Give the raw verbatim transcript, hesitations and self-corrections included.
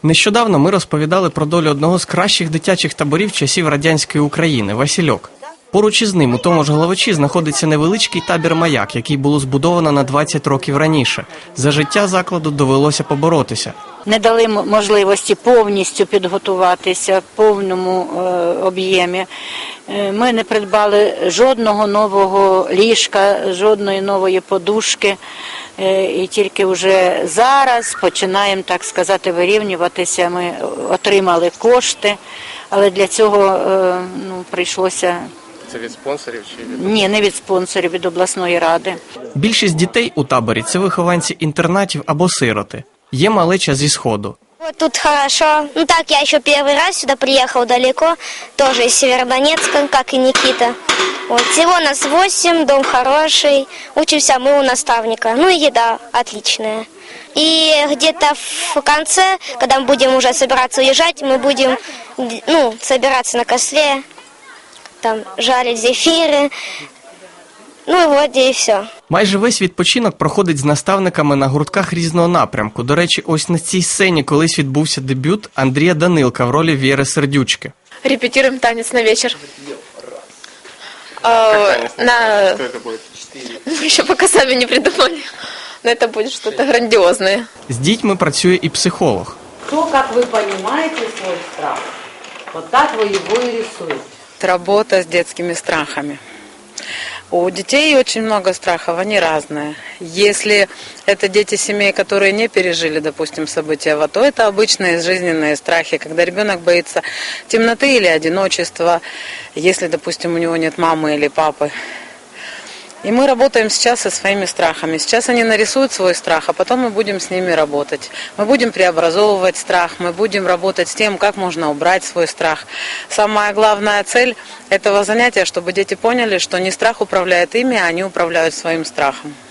Нещодавно ми розповідали про долю одного з кращих дитячих таборів часів радянської України – Васильок. Поруч із ним у тому ж Головичі знаходиться невеличкий табір «Маяк», який було збудовано на двадцять років раніше. За життя закладу довелося поборотися. Не дали можливості повністю підготуватися в повному е, об'ємі. Е, ми не придбали жодного нового ліжка, жодної нової подушки. Е, і тільки вже зараз починаємо, так сказати, вирівнюватися. Ми отримали кошти, але для цього е, ну, прийшлося... Це від спонсорів чи від... Ні, не від спонсорів, від обласної ради. Більшість дітей у таборі – це вихованці інтернатів або сироти. Є малеча зі Сходу. Вот тут хорошо. Ну так, я еще первый раз сюда приехал далеко, тоже из Северодонецка, как и Никита. Вот, всего нас восемь, дом хороший, учимся мы у наставника. Ну и еда отличная. И где-то в конце, когда мы будем уже собираться уезжать, мы будем ну, собираться на костре, там жарить зефиры. Ну і от і все. Майже весь відпочинок проходить з наставниками на гуртках різного напрямку. До речі, ось на цій сцені колись відбувся дебют Андрія Данилка в ролі Вєри Сердючки. Репетируем танец на вечер. Танец на... на... Что это будет? Мы еще пока сами не придумали. Но это будет что-то грандиозное. З дітьми працює і психолог. То, как вы понимаете свой страх, вот так вы его и рисуете. Работа с детскими страхами. У детей очень много страхов, они разные. Если это дети семей, которые не пережили, допустим, события в АТО, это обычные жизненные страхи, когда ребенок боится темноты или одиночества, если, допустим, у него нет мамы или папы. И мы работаем сейчас со своими страхами. Сейчас они нарисуют свой страх, а потом мы будем с ними работать. Мы будем преобразовывать страх, мы будем работать с тем, как можно убрать свой страх. Самая главная цель этого занятия, чтобы дети поняли, что не страх управляет ими, а они управляют своим страхом.